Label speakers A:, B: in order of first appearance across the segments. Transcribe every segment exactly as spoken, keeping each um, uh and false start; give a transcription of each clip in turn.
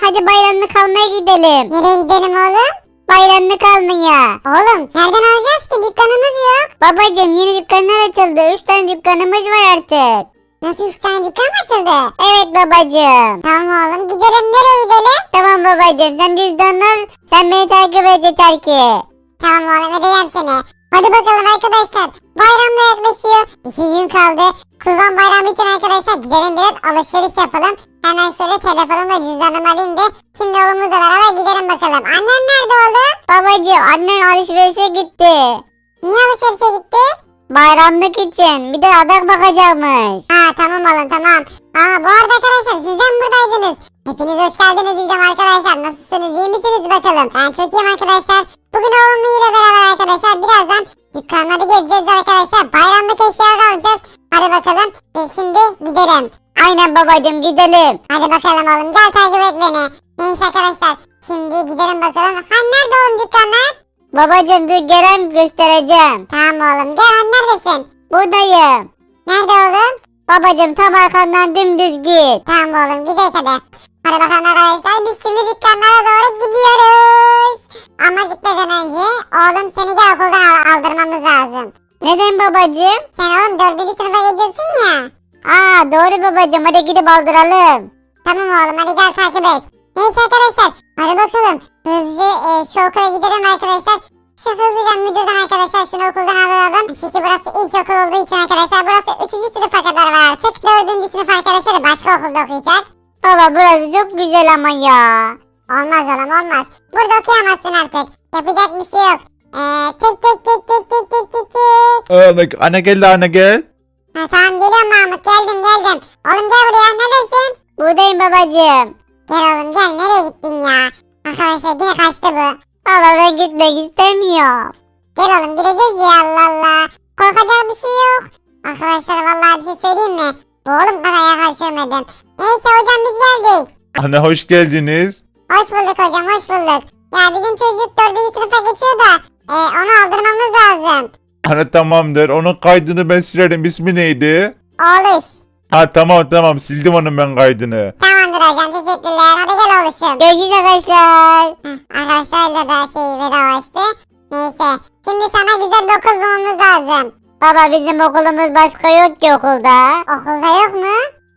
A: hadi bayramlık almaya gidelim.
B: Nereye gidelim oğlum?
A: Bayramlık almaya.
B: Oğlum nereden alacağız ki? Dükkanımız yok.
A: Babacım yeni dükkanlar açıldı. Üç tane dükkanımız var artık.
B: Nasıl üç tane dükkan mı açıldı?
A: Evet babacım.
B: Tamam oğlum gidelim. Nereye gidelim?
A: Tamam babacım sen cüzdanını al. Sen beni takip et yeter ki.
B: Tamam oğlum edeceğim seni. Hadi bakalım arkadaşlar. Bayram da yaklaşıyor. İki gün kaldı. Kurban bayramı için arkadaşlar gidelim biraz alışveriş yapalım. Hemen şöyle telefonumla cüzdanımı alayım da şimdi oğlumuzla beraber gidelim bakalım. Annen nerede oğlum?
A: Babacım annem alışverişe gitti.
B: Niye alışverişe gitti?
A: Bayramlık için bir de adak bakacakmış.
B: Ha tamam oğlum tamam. Aa bu arada arkadaşlar siz de mi buradaydınız? Hepiniz hoş geldiniz diyeceğim arkadaşlar. Nasılsınız iyi misiniz bakalım? Ben çok iyiyim arkadaşlar. Bugün oğlumla ile beraber arkadaşlar birazdan dükkanları gezeceğiz arkadaşlar. Bayramlık eşyalar alacağız. Hadi bakalım. E şimdi gidelim.
A: Aynen babacım gidelim.
B: Hadi bakalım oğlum gel takip et beni. Neyse arkadaşlar şimdi gidelim bakalım. Ha nerede oğlum dükkanlar?
A: Babacım dur gelen göstereceğim.
B: Tamam oğlum gel han neredesin?
A: Buradayım.
B: Nerede oğlum?
A: Babacım tam arkandan dümdüz git.
B: Tamam oğlum gidelim hadi. Hadi bakalım arkadaşlar biz şimdi dükkanlara doğru gidiyoruz. Ama gitmeden önce oğlum seni gel okuldan al- aldırmamız lazım.
A: Neden babacım?
B: Sen oğlum dördüncü sınıfa geçiyorsun ya.
A: Aa doğru babacım hadi gidip aldıralım.
B: Tamam oğlum hadi gel takip et. Neyse arkadaşlar hadi bakalım. Hızlıca e, şu okula gidelim arkadaşlar. Şu hızlıca müdürden arkadaşlar şunu okuldan alalım. Çünkü burası ilk okul olduğu için arkadaşlar burası üçüncü sınıfa kadar var artık. dördüncü sınıf arkadaşlar da başka okulda okuyacak.
A: Baba burası çok güzel ama ya.
B: Olmaz oğlum olmaz. Burada okuyamazsın artık. Yapacak bir şey yok. Eee tık tık tık tık tık tık tık tık.
C: Anne, anne gel anne gel.
B: Ha tamam geliyorum Mahmut geldim geldim. Oğlum gel buraya neredesin?
A: Buradayım babacım.
B: Gel oğlum gel nereye gittin ya? Arkadaşlar yine kaçtı bu.
A: Baba ben gitmek istemiyorum.
B: Gel oğlum gideceğiz ya Allah Allah. Korkacak bir şey yok. Arkadaşlar vallahi bir şey söyleyeyim mi? Bu oğlum ben ayağa kalkamadım. Neyse hocam biz geldik.
C: Anne hoş geldiniz.
B: Hoş bulduk hocam hoş bulduk. Ya bizim çocuk dördüncü sınıfa geçiyor da e, onu aldırmamız lazım.
C: Anne tamamdır. Onun kaydını ben silerim. İsmi neydi?
B: Oğluş.
C: Ha tamam tamam sildim onun ben kaydını.
B: Tamamdır hocam teşekkürler. Hadi gel oğluşum.
A: Görüşürüz arkadaşlar.
B: Heh, arkadaşlarla da şey vedalaştı. Neyse şimdi sana güzel bir okul bulmamız lazım.
A: Baba bizim okulumuz başka yok ki okulda.
B: Okulda yok mu?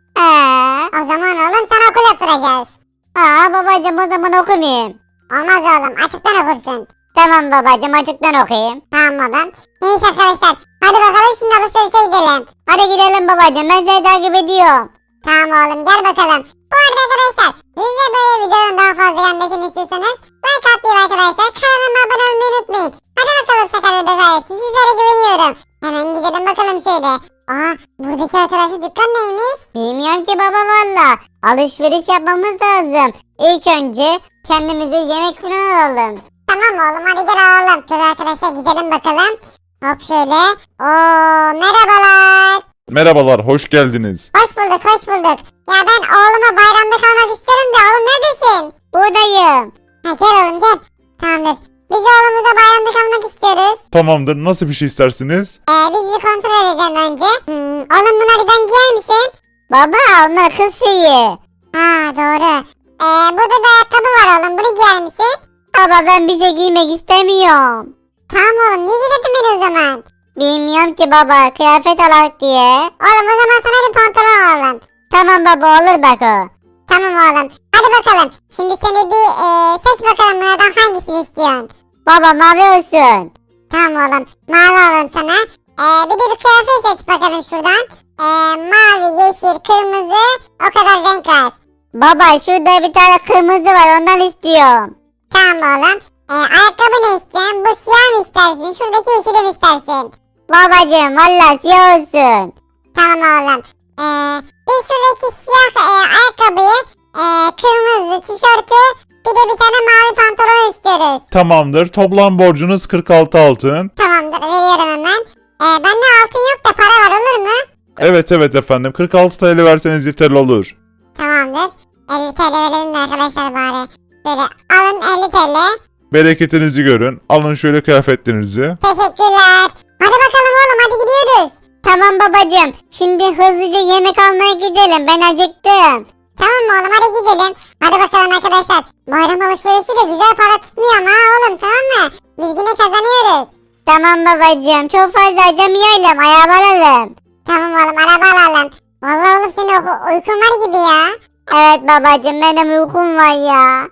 A: Ee,
B: O zaman oğlum sana okul yaptıracağız.
A: aa babacım o zaman okumayayım.
B: Olmaz oğlum açıktan okursun.
A: Tamam babacım açıktan okuyayım.
B: Tamam oğlum. Neyse arkadaşlar hadi bakalım şimdi alışverişe gidelim.
A: Hadi gidelim babacım ben seni takip ediyorum.
B: Tamam oğlum gel bakalım. Bu arada arkadaşlar siz de böyle videonun daha fazla gelmesini istiyorsanız like atmayı arkadaşlar kanalıma abone olmayı unutmayın. Hadi bakalım Sakar Bebek ailesi sizlere güveniyorum. Hemen gidelim bakalım şöyle. Aa buradaki arkadaşlar dükkan neymiş?
A: Bilmiyorum ki baba valla. Alışveriş yapmamız lazım. İlk önce kendimize yemek falan alalım.
B: Tamam oğlum hadi gel alalım. Dur arkadaşlar gidelim bakalım. Hop şöyle. Oo merhabalar.
C: Merhabalar hoş geldiniz.
B: Hoş bulduk hoş bulduk. Ya ben oğluma bayramda kalmak istiyorum da oğlum neredesin?
A: Buradayım.
B: Ha gel oğlum gel. Tamamdır. Biz oğlumuza bayramda kalmak istiyoruz.
C: Tamamdır nasıl bir şey istersiniz?
B: Ee, biz bir kontrol edelim önce. Hmm, oğlum bunları ben giyer misin?
A: Baba onlar kız şeyi.
B: Ha doğru. Ee, burada bir ayakkabı var oğlum bunu giyer misin?
A: Baba ben bir şey giymek istemiyorum.
B: Tamam oğlum niye giydirdin beni o zaman?
A: Bilmiyorum ki baba kıyafet alak diye.
B: Oğlum o zaman sana bir pantolon alalım.
A: Tamam baba olur bak o.
B: Tamam oğlum. Hadi bakalım. Şimdi seni bir e, seç bakalım bunlardan hangisini istiyorsun?
A: Baba mavi olsun.
B: Tamam oğlum. Mavi alalım sana. Ee, bir de bir kıyafet seç bakalım şuradan. Ee, mavi, yeşil, kırmızı o kadar renk var.
A: Baba şurada bir tane kırmızı var ondan istiyorum.
B: Tamam oğlum. Ee, ayakkabı ne istiyorsun? Bu siyah mı istersin? Şuradaki yeşili mi istersin?
A: Babacım valla siyah olsun.
B: Tamam oğlum. Ee, biz şuradaki siyah e, ayakkabıyı, e, kırmızı tişörtü, bir de bir tane mavi pantolon istiyoruz.
C: Tamamdır toplam borcunuz kırk altı altın.
B: Tamamdır veriyorum hemen. Ee, bende altın yok da para var olur mu?
C: Evet evet efendim kırk altı T L verseniz yeterli olur.
B: Tamamdır. elli TL verelim de arkadaşlar bari. Böyle alın elli TL.
C: Bereketinizi görün. Alın şöyle kıyafetlerinizi.
B: Teşekkürler. Hadi bakalım oğlum hadi gidiyoruz.
A: Tamam babacım şimdi hızlıca yemek almaya gidelim ben acıktım.
B: Tamam mı oğlum hadi gidelim. Hadi bakalım arkadaşlar. Bayram alışverişi de güzel para tutmuyor ama oğlum, tamam mı? Biz yine kazanıyoruz.
A: Tamam babacığım çok fazla harcamayalım araba alalım.
B: Tamam oğlum, araba alalım. Vallahi oğlum senin uy- uykun var gibi ya.
A: Evet babacığım benim uykum var ya.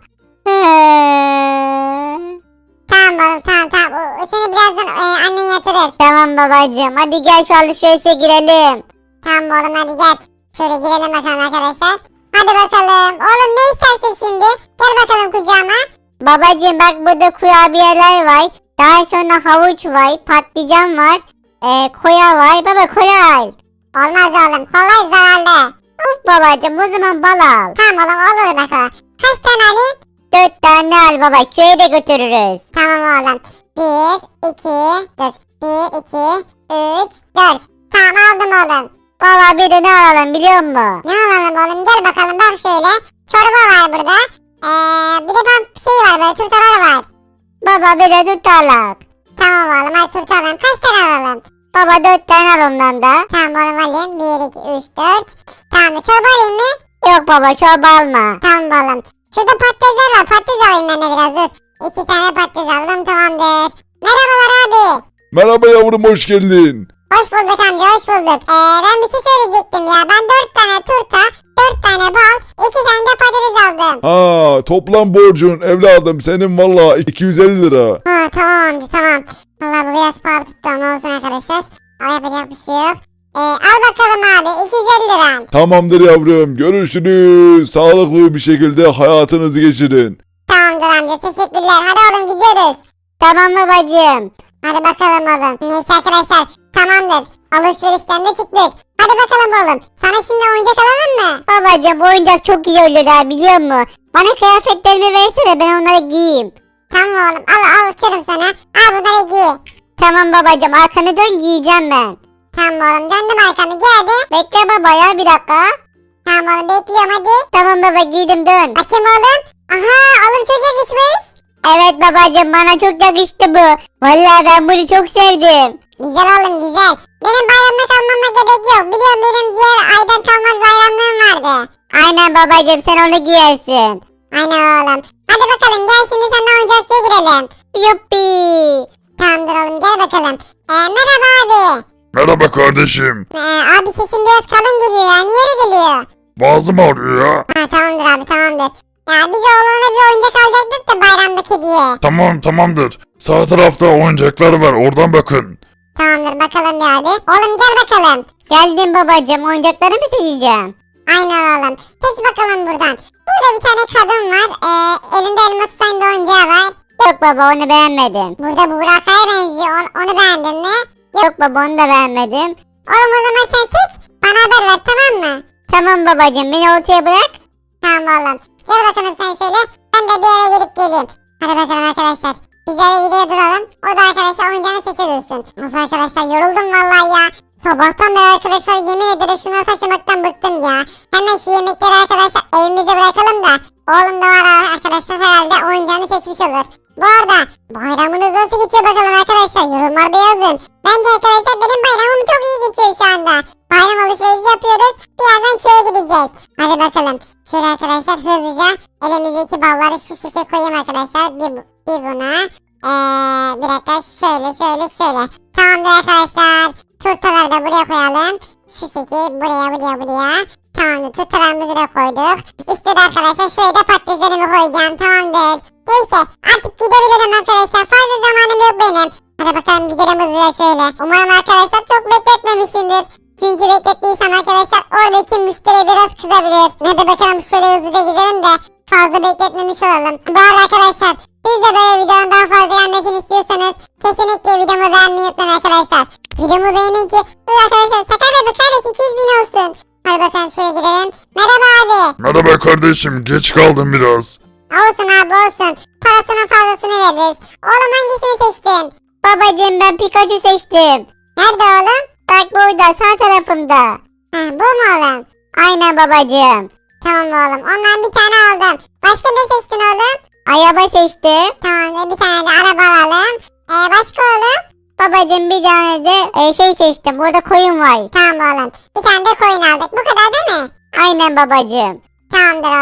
B: Tamam oğlum, tamam tamam. O- o Seni birazdan e, annen yatırır.
A: Tamam babacığım hadi gel şu alışverişe girelim.
B: Tamam oğlum, hadi gel. Şöyle girelim bakalım arkadaşlar. Hadi bakalım. Oğlum ne istersin şimdi? Gel bakalım kucağıma.
A: Babacığım bak burada kurabiyeler var. Daha sonra havuç var, patlıcan var, e, koya var. Baba kola al.
B: Olmaz oğlum. Kolay zararlı.
A: Of babacığım o zaman bal al.
B: Tamam oğlum, olur bakalım. Kaç tane alayım?
A: Dört tane al baba köye de götürürüz.
B: Tamam oğlum. Bir, iki, dur. Bir, iki, üç, dört. Tamam, aldım oğlum.
A: Baba bir de ne alalım biliyor musun?
B: Ne alalım oğlum? Gel bakalım, bak şöyle. Çorba var burada. Ee, bir de ben şey var, böyle turtalar var.
A: Baba bir de tutarlak.
B: Tamam oğlum, hadi turta alalım. Kaç tane alalım?
A: Baba dört tane al ondan da.
B: Tamam oğlum, alayım. Bir, iki, üç, dört. Tamam, çorba alayım mı?
A: Yok baba çorba alma.
B: Tamam oğlum. Şurada patatesler var. Patates alayım ben de biraz, dur. İki tane patates aldım, tamamdır. Merhabalar abi.
C: Merhaba yavrum, hoş geldin.
B: Hoş bulduk amca, hoş bulduk. Ee, ben bir şey söyleyecektim ya. Ben dört tane turta, dört tane bal, iki tane de patates aldım.
C: Ha, toplam borcun evladım senin valla iki yüz elli lira.
B: Ha, tamam amca, tamam. Valla bu biraz pahalı tuttu ama olsun arkadaşlar. Al, yapacak bir şey yok. Ee, al bakalım abi, iki yüz elli lira.
C: Tamamdır yavrum, görüşürüz. Sağlıklı bir şekilde hayatınızı geçirin.
B: Tamamdır amca, teşekkürler. Hadi oğlum, gidiyoruz.
A: Tamam babacığım.
B: Hadi bakalım oğlum. Neyse arkadaşlar, tamamdır. Alışverişten de çıktık. Hadi bakalım oğlum. Sana şimdi oyuncak alalım mı?
A: Babacığım bu oyuncak çok iyi olur ha biliyor musun? Bana kıyafetlerimi versene ben onları giyeyim.
B: Tamam oğlum, al al açarım sana. Al bunları giy.
A: Tamam babacığım arkanı dön giyeceğim ben.
B: Tamam oğlum, döndüm arkamı, giy hadi.
A: Bekle baba ya bir dakika.
B: Tamam oğlum, bekliyorum hadi.
A: Tamam baba giydim dön.
B: Bakayım oğlum. Aha, oğlum çok yakışmış.
A: Evet babacığım bana çok yakıştı bu. Vallahi ben bunu çok sevdim.
B: Güzel oğlum, güzel. Benim bayramda kalmama gerek yok. Biliyorum, benim diğer aydan kalma bir bayramlığım vardı.
A: Aynen babacığım sen onu giyersin.
B: Aynen oğlum. Hadi bakalım, gel şimdi seninle oyuncakçıya girelim.
A: Yuppi.
B: Tamamdır oğlum, gel bakalım. Ee, merhaba abi.
C: Merhaba kardeşim.
B: Ee, abi sesin biraz kalın geliyor ya. Niye öyle geliyor?
C: Boğazım ağrıyor ya.
B: Ha, tamamdır abi, tamamdır. Ya biz oğlana bir oyuncak alacaktık da bayramdaki diye.
C: Tamam tamamdır. Sağ tarafta oyuncaklar var, oradan bakın.
B: Tamamdır, bakalım bir abi. Oğlum gel bakalım.
A: Geldim babacığım oyuncakları mı seçeceğim?
B: Aynen oğlum. Seç bakalım buradan. Burada bir tane kadın var. Ee, elinde elma tutan bir oyuncağı var.
A: Yok baba onu beğenmedim.
B: Burada Burak'a benziyor. Onu, onu beğendin mi?
A: Yok baba onu da beğenmedim.
B: Oğlum o zaman sen seç. Bana haber ver, tamam mı?
A: Tamam babacığım beni ortaya bırak.
B: Tamam oğlum. Gel bakalım sen şöyle. Ben de bir eve gidip geleyim. Hadi bakalım arkadaşlar. Biz eve gidiyor duralım. O da arkadaşlar oyuncağını seçe dursun. Of arkadaşlar, yoruldum vallahi ya. Sabahtan beri arkadaşlar yemin ederim şunları taşımaktan bıktım ya. Hemen şu yemekleri arkadaşlar evimize bırakalım da. Oğlum da var arkadaşlar, herhalde oyuncağını seçmiş olur. Bu arada bayramınız nasıl geçiyor bakalım arkadaşlar, yorumlarda yazın. Bence arkadaşlar benim bayramım çok iyi geçiyor şu anda. Bayram alışverişi yapıyoruz. Birazdan köye gideceğiz. Hadi bakalım. Şöyle arkadaşlar hızlıca elimizdeki balları şu şekilde koyayım arkadaşlar. Bir, bu- bir buna. Ee, bir dakika şöyle şöyle şöyle. Tamamdır arkadaşlar. Turtaları da buraya koyalım. Şu şekil buraya buraya buraya. Tamamdır, turtalarımızı da koyduk. Üstte de arkadaşlar şöyle de patateslerimi koyacağım. Tamamdır. Neyse artık gidebilirim arkadaşlar. Fazla zamanım yok benim. Hadi bakalım gidelim hızlıca şöyle. Umarım arkadaşlar çok bekletmemişimdir. Çünkü beklettiysem arkadaşlar oradaki müşteri biraz kızabilir. Hadi bakalım şöyle hızlıca gidelim de fazla bekletmemiş olalım. Bu arada arkadaşlar siz de böyle videonun daha fazla gelmesini istiyorsanız kesinlikle videomu beğenmeyi unutmayın arkadaşlar. Videomu beğenin ki bu arkadaşlar Sakar Bebek ailesi iki yüz bin olsun. Hadi bakalım şöyle gidelim. Merhaba abi.
C: Merhaba kardeşim, geç kaldım biraz.
B: Olsun abi olsun. Parasının fazlasını veririz. Oğlum hangisini seçtin?
A: Babacığım ben Pikachu seçtim.
B: Nerede oğlum?
A: Bak burada sağ tarafımda.
B: Ha, bu mu oğlum?
A: Aynen babacığım.
B: Tamam oğlum. Ondan bir tane aldım. Başka ne seçtin oğlum?
A: Araba seçtim.
B: Tamam, bir tane de araba alalım. Ee, başka oğlum?
A: Babacığım bir tane de e, şey seçtim. Burada koyun var.
B: Tamam oğlum. Bir tane de koyun aldık. Bu kadar değil mi?
A: Aynen babacığım.
B: Tamamdır oğlum.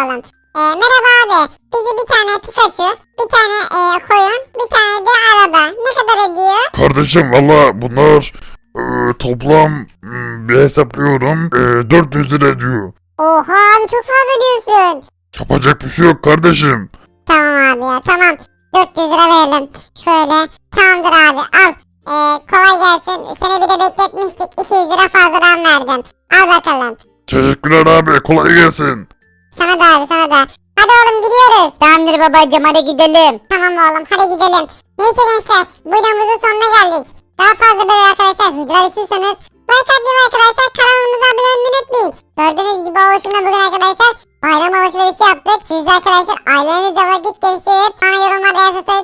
B: E, merhaba abi. Bizi bir tane Pikachu, bir tane e, koyun, bir tane de araba. Ne kadar ediyor?
D: Kardeşim valla bunlar e, toplam hmm, bir hesaplıyorum e, dört yüz lira ediyor.
B: Oha abi çok fazla diyorsun.
D: Yapacak bir şey yok kardeşim.
B: Tamam abi ya tamam. dört yüz lira verelim. Şöyle. Tamamdır abi al. E, kolay gelsin. Seni bir de bekletmiştik. iki yüz lira fazladan verdim. Al bakalım.
D: Teşekkürler abi kolay gelsin.
B: Sana da abi sana da. Hadi oğlum gidiyoruz.
A: Tamamdır babacım hadi gidelim.
B: Tamam oğlum hadi gidelim. Neyse gençler bu videomuzun sonuna geldik. Daha fazla böyle arkadaşlar videolar istiyorsanız like atmayı arkadaşlar kanalımıza abone olmayı unutmayın. Gördüğünüz gibi oluşumda bugün arkadaşlar bayram alışverişi yaptık. Siz de arkadaşlar ailenizle vakit geçirip bana yorumlarda yazarsanız